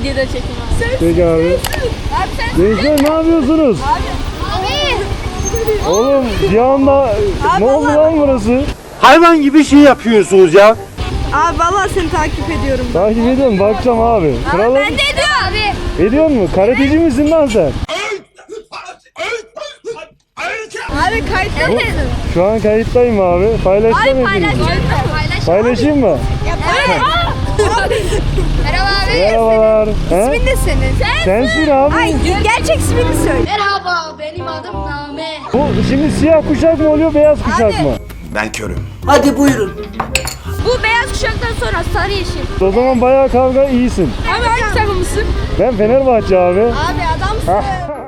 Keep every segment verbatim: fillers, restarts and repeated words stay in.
Videoda çekim abi. Peki abi. Abi sen Gençler ne yapıyorsunuz? Abi. Oğlum bir anda ne oldu lan burası? Hayvan gibi şey yapıyorsunuz ya. Abi vallahi seni takip ediyorum. Takip ediyorum, bakacağım abi. Kralım. Ben de ediyor abi. Ediyor mu? Karateci misin lan sen? Abi kayıtta Bu- mısın? Şu an kayıttayım abi. Paylaşacağım Abi hepinizi. paylaşacağım. Paylaş. Paylaşayım mı? Evet. Merhaba abi. Merhabalar. He? İsmin ne senin? Sensin abi. Ay gerçek ismini söyle. Merhaba benim adım Name. Bu şimdi siyah kuşak mı oluyor, beyaz kuşak Abi. mı? Ben körüm. Bu beyaz kuşaktan sonra sarı yeşil. O zaman bayağı kavga iyisin. Abi hangi takımısın? Ben Fenerbahçe abi. Abi adamsın.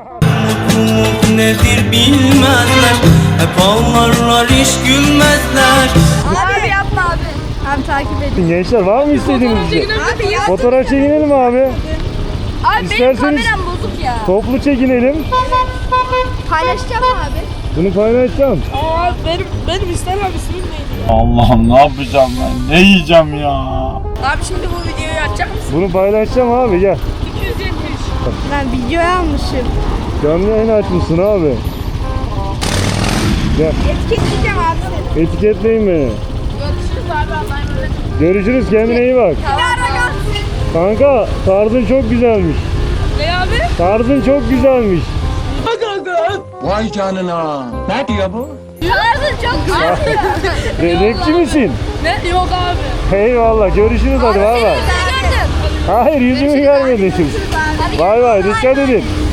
Nedir bilmezler. Hep ağlarlar hiç gülmezler. Abi yapma abi. Abi takip edin. Gençler var mı istediğiniz bir şey? Abi ya. Fotoğraf çekinelim abi. Abi benim İsterseniz- kameram bozuk ya. Toplu çekinelim. Paylaşacağım abi. Bunu paylaşacağım. Aa benim benim istemem ismim neydi? Allah'ım ne yapacağım ben? Ne yiyeceğim ya? Abi şimdi bu videoyu açacak mısın? Bunu paylaşacağım abi, gel. iki yüz yetmiş. Ben videoyu almışım. Canlı yayın açmışsın abi. Gel. Etiketleyeceğim abi seni. Etiketleyin beni. Görüşürüz abi Allah'a emanet. Görüşürüz, kendine iyi bak. Kanka tarzın çok güzelmiş. Ne abi? Tarzın çok güzelmiş. Vay canına. Ne diyor bu? Tarzın çok güzel. Re- rapçi misin? Ne? Yok abi. Eyvallah, görüşürüz hadi, bay bay. Seni gördüm. Hayır, yüzümü görmedim. Bay bay, dikkat edin.